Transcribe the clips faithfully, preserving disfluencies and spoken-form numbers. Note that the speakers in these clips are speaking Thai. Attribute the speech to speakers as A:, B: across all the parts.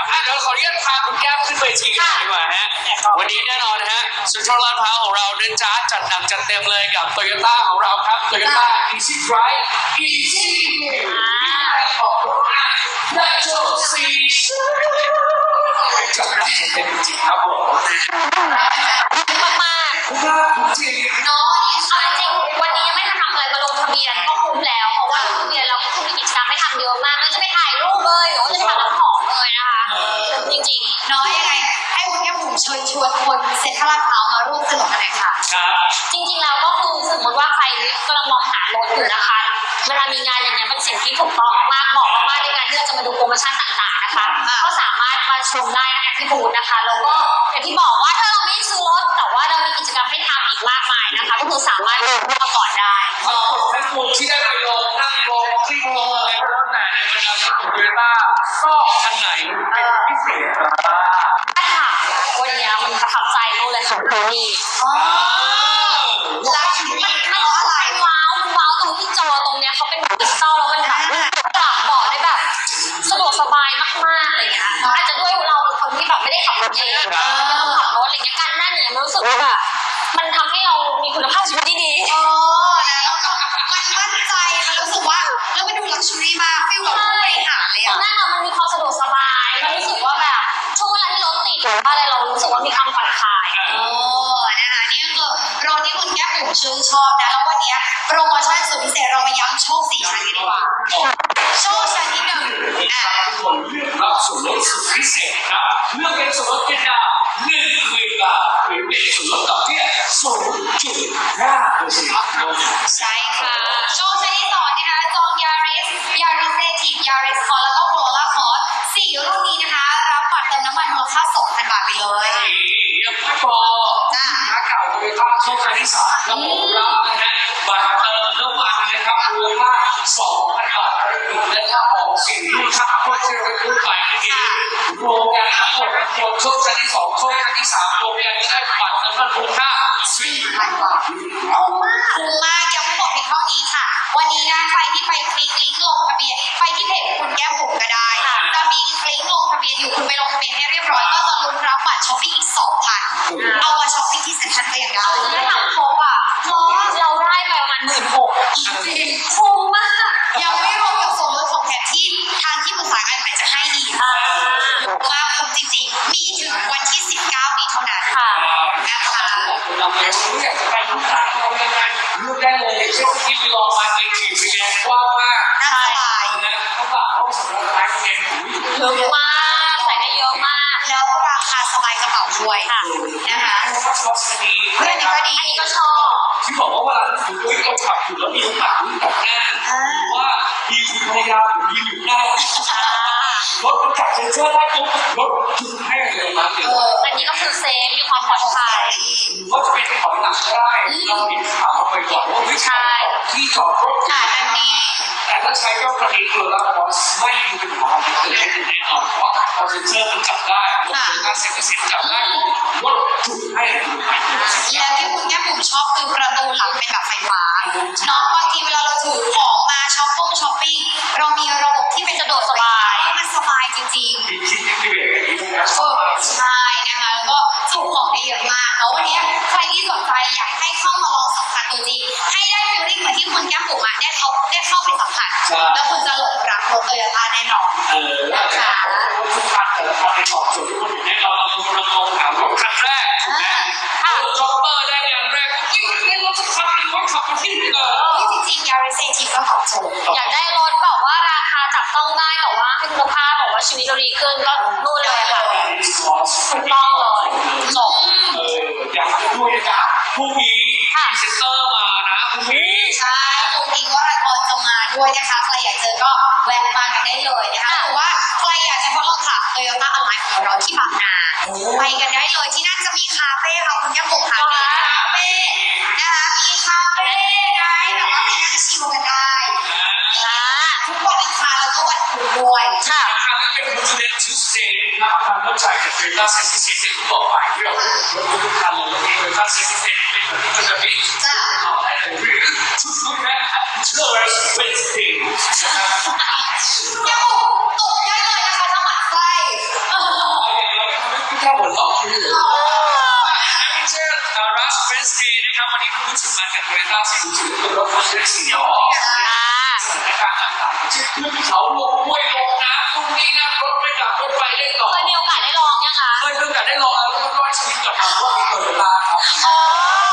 A: อ่ะเดี๋ยวขออนุญาตพาคุณแก้มขึ้นเวทีกันดีกว่าฮะวันนี้แน่นอนฮะสุนทรลาดพร้าวของเราเดินจ้าจัดหนักจัดเต็มเลยกับโตโยต้าของเราครับโตโยต้า Easy Drive Easy ของรถและโชว์ซีจัดหนักจัดเต็มจริงครับผม
B: มากๆจริงเนาะเอาจริงวันนี้ยังไม่ทันทำอะไรมาลงทะเบียนก็คุ้มแล้วเพราะว่าทะเบียนเราก็คือมีกิจกรรมให้ทำเยอะมากไม่จะไปถ่ายรูปเลยหรือว่าจะไปทำน้ำหอมเลยนะคะจริงๆเนาะยังไงให้คุณแก้มบุ๋มเชิญชวนคนเซ็นทรัลลาดพร้าวมาร่วมสนุกกันหน่อยค่ะจริงๆแล้วก็คือสมมติว่าใครกำลังมองหารถอยู่นะคะเวลามีงานอย่างเงี้ยเป็นสิ่งที่ถูกต้องมากเหมาะมากๆในการที่เราจะมาดูโปรโมชั่นต่างๆนะคะก็สามารถมาชมได้นะคะที่บูธนะคะแล้วก็อย่างที่บอกว่าถ้าเราไม่ซื้อรถแต่ว่าเรามีกิจกรรมให้ทำอีกมากมายนะคะก็คือสามารถดูมาก่อนได้
A: ทั้งหมดทั้งมวลที่ได้ไปลองนั่งลองคลิกลองอะไรก็แล้วแต่ในบรรดาของโตโยต้าชอบอันไหนเป็นพิเศษ
B: ถ้าถามวันนี้มันประทับใจนู่นเลยของโทนี่แล้วมันมันอะไรว้าวว้าวตรงที่จอตรงเนี้ยเขาเป็นดิจิตอลแล้วมันแบบปรับเบาะได้แบบสะดวกสบายมากๆอะไรเงี้ยอาจจะด้วยเราเป็นคนที่แบบไม่ได้ขับรถเองไม่ต้องขับรถอะไรเงี้ยการนั่งเนี่ยมันรู้สึกว่าแบบมันทำให้เรามีคุณภาพชีวิตที่ดีอ๋อแล้วก็มันมั่นใจมันรู้สึกว่าแล้วมันดูลักชัวรี่มากฟีลแบบผู้บริหารเลยอ่ะนั่งอะมันมีความสะดวกสบายมันรู้สึกว่าแบบช่วงเวลาที่รถติดหรือว่าอะไรเรารู้สึกว่ามีความผ่อนคลายโอ้นะคะนี่ก็คือรถที่คุณแก้มบุ๋มชื่นชอบนะแล้ววันนี้โปรโมชั่นสุดพิเศษเรามาย้ำโชคสี่ชั้นกันดีกว่าโชคชั้นที่หนึ่งอ่ะ
A: ทุกคนเลือกรับส่วนลดสุดพิเศษครับเลือกเป็นส่วนลดเพียงแค่หนึ่งหมื่นบาทหรือเป็นส่วนลดดอกเบี้ยศูนย์จุดห้าเปอร์เซ็นต์
B: ใช่ค่ะโชคชั้นที่สองนะคะจองยาริสยาริสเซทีฟยาริสคอร์แล้วก็โคโรล่าคอร์สี่รุ่นนี้นะคะรับบัตรเติมน้ำมันมูลค่าสองพันบาทไปเลย
A: ยังไม่พอนะเก่าโตโยต้าโชคชั้นที่สามระบบรับนะฮะบัตรเติมน้ำมันนะครับมูลค่าสองพันบาทและถ้าออกสิ่งที่ค่าโคตรเชื่อถือไปนี่รวมกันทั้งหมดทั้งมวลโชคชั้นที่สองโชคชั้นที่สามรวมกันจะได้บัตรน้ำมันมูลค่าสี่พันบาท
B: คุ้มมากคุ้มมากยังไม่หมดเพียงเท่านี้ค่ะวันนี้นะใครที่ไปคลิกลิงก์ลงทะเบียนไปที่เพจคุณแก้มบุ๋มก็ได้จะมีลิงก์ลงทะเบียนอยู่คุณไปลงทะเบียนให้เรียบร้อยก็จะลุ้นรับบัตรช้อปปิ้งอีกสองพันเอามาช้อปปิ้งที่เซ็นทรัลก็ยังได้ถ้าทำครบอ่ะเราได้ไปประมาณหมื่นหกจริงคุ้มมากยังไม่รวมกับส่วนลดของแถมที่ทางที่ปรึกษาการขายจะให้อีกว่าคุ้มจริงๆมีถึงวันที่สิบเก้านี้เท่านั้นค่ะนะคะ
A: เราอยากจะไปลูกค้าเรายังไงเลือกได้เลยเช่นที่ไปลองมาในทีวีแดงกว้างมาก
B: น่าสบาย
A: นะเขาบอกเขาสำหรับร้านเอง
B: เยอะมากใส่ได้เยอะมากแล้วราคาสบายกระเป๋าด้วยค่ะนะคะเรื่องนี้ก็ดีอันนี้ก็ชอบ
A: ที่บอกว่าเวลาคุณตุ้ยเขาขับอยู่แล้วมีโอกาสลุ้นกับหน้าหรือว่ามีคุณภรรยายืนอยู่หน้ารถมันจับเซ็นเซอร์ได้ปุ๊บรถจุดให้เลยมาเดี๋ยว
B: อันนี้ก็คือเซฟมีความปลอดภัย
A: หรือว่าจะเป็นถอยหลังก็ได้เราเห็นข่าวมาไปก่อนว่าไม่ใช่ที่จอดรถ
B: ค่ะอันนี้
A: แต่ถ้าใช้เจ้ากระดิ่งตัวละครไม่มีเป็นความผิดเลยแน่นอนเพราะพอเซ็นเซอร์มันจับได้รถถ้าเซ็นเซอร์จับได้รถจุดให้
B: แล้วที่คุณแก้มบุ๋มชอบคือประตูหลังเป็นแบบไฟฟ้าเนาะบางทีเวลาเราถือของมาช้อปปิ้งช้อปปิ้งเรามีระบบที่เป็นสะดวกสบายมันสบายจริงๆใช่นะคะแล้วก็ถูกของได้เยอะมากแล้ววันนี้ใครที่สนใจอยากให้เข้ามาลองสัมผัสตัวจริงให้ได้ฟีลลิ่งเหมือนที่คุณแก้มบุ๋มอ่ะได้เขาได้เข้าไปสัมผัสแล้วคุณจะหลงรักรถโตโยต้าแน่นอน
A: นะคะทุกคันแต่ละคันในตอบโจทย์ทุกคนอยู่ในเราเราเรามองหารถคันแรกถ้ารถช็อปเปอร์ได้อย่างแรกยิ่งเป็นรถสักคันรถขับมาที่นี่เลย
B: นี่จริงๆยาริสเซทีฟก็ตอบโจทย์อยากได้รถแบบว่าราคาจับต้องได้แต่ว่าให้คุณภาพบอกว่าชีวิตเราดีขึ้นก็นู่นเลยค่ะถูกต้องเลยจบ
A: เอออยากจะด้วยนะพรุ่งนี้มีเซ็นเตอร์มานะพรุ่งนี้
B: ใช่พรุ่งนี้ว่ารายการจะมาด้วยนะคะใครอยากเจอก็แวะมากันได้เลยนะคะหรือว่าใครอยากจะทดลองขับ Toyota Align ของเราที่บางนาไปกันได้เลยที่นั่นจะมีคาเฟ่ค่ะคุณแก้มบุ๋มค่ะมีคาเฟ่นะคะมีคาเฟ่ได้แบบว่าไปนั่งชิลกันได้ทุกวันอังคารแล้วก็วันพุธด้วยค่ะ
A: ครั้งนี้เป็น President Tuesday นะครับทางเว็บไซต์ของ Toyota Safety System ที่บอกไปที่เราพูดทุกคันเลยว่า Toyota Safety System เป็นแบบนี้ก็จะมีเอาได้เลยหรือชุดชุดแรก Tourist Wednesday นะครับ
B: แก้มบุ๋มตกได้เลยนะคะจังหวัดใกล้
A: สึกมากันโตโยต้าสี่ศูนย์เป็นรถคันเล็กสี่ล้อสถานการณ์ต่างๆเช่นขึ้นเขาลงห้วยลงน้ำตรงนี้นะรถไม่กลับรถไฟได้ต่อ
B: เคยมีโอกาสได้ลองยังคะ
A: เคยมีโอกาสได้ลองแล้วก็รอดชีวิตกับทางรถโตโยต้าครับ
B: อ๋อ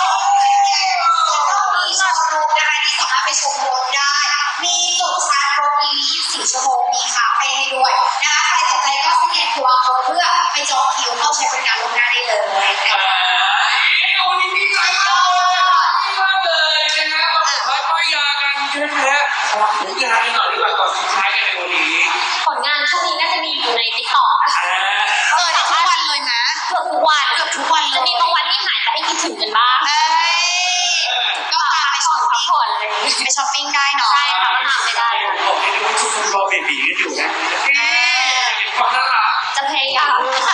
C: มีโชว์รูมนะคะที่สามารถไปชมรถได้ มีจุดชาร์จรถ อี วี ยี่สิบสี่ ชั่วโมง มีคาเฟ่ให้ด้วยนะคะใครสนใจก็สแกน คิว อาร์ code เพื่อไปจองคิวเข้าใช้บริการล่วงหน้าได้เลยนะ
A: เอ่
C: คะ
A: อวันนี้ดีใจมากมากเลยนะฮะมาเปิดป้ายยากันใช่ไหมฮะครับผลงานกันหน่อยดีกว่าก่อนสุดท้ายกันในวันนี้
B: ผลงานช่วงนี้น่าจะมีอยู่ในติ๊กต็อกนะคะ
A: อ่า
C: เออเดี๋ยวทุกวันเลยนะ
B: เกือบทุกวัน
C: เกือบทุกวันเล
B: จะ
C: ย
B: มีบางวันที่หายไปให้คิดถึงกันบ้าง
C: เอ้ยก็พาไปช้อป
B: พัก
C: ปิ้ง
B: ผ่อนอะไรอย่างเงี้ย
C: ไปช้อปปิ้งได้เนาะ
B: ใช่ค่ะก็ทำไม่ได้
A: ผมเห็นว่าทุกคนรอเบบีกันอยู่นะเอ๊ะเห็นความน่ารัก
B: จะพยายาม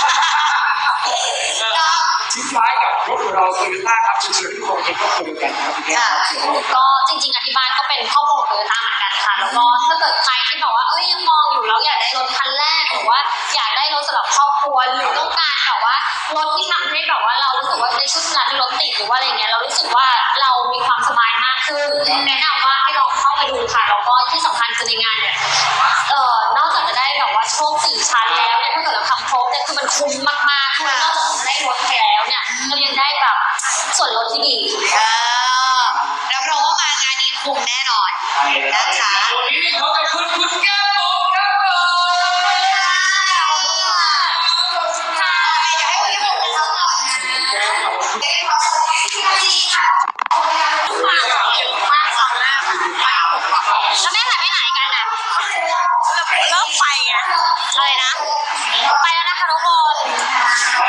A: ทิ้งท้ายกับรถของเราโตโยต้าครับเชิญทุกคนเป็นครอบครัวเดียวกันครับพี่แก้ว
B: ก็จริงๆอธิบายก็เป็นครอบครัวของโตโยต้าเหมือนกันค่ะ แล้วก็ถ้าเกิดใครที่แบบว่าเอ้ยยังมองอยู่แล้วอยากได้รถคันแรกหรือว่าอยากได้รถสำหรับครอบครัวหรือต้องการแบบว่ารถที่ทำให้แบบว่าเรารู้สึกว่าในช่วงเวลาที่รถติดหรือว่าอะไรเงี้ยเรารู้สึกว่าเรามีความสบายมากขึ้นแนะนำว่าให้ลองเข้าไปดูค่ะแล้วก็ที่สำคัญคือในงานเนี่ยเอ่อนอกจากจะได้แบบว่าโชคสี่ชั้นแล้วเนี่ยถ้าเกิดเราทำครบเนี่ยคือมันคุ้มมากๆคือนอกจากจะได้รถไปแล้วเนี่ยเรายังได้แบบส่วนลดที่ดี
C: เออรับรองว่ามางานนี้คุ้มแน่นอน นะคะ
A: วันนี้ขอบคุณคุณแก้วครับผม
C: ค่ะเดี๋ยวให้คุณผู้ชมไปทำก่อนนะเดี๋ยวขอเชิญให้พี่นาทีค่ะ
B: แล้วแม่หายไปไหนกันอ่ะเลิกไปอ่ะอะไรนะ ไปแล้วนะคะทุกคน
A: ไป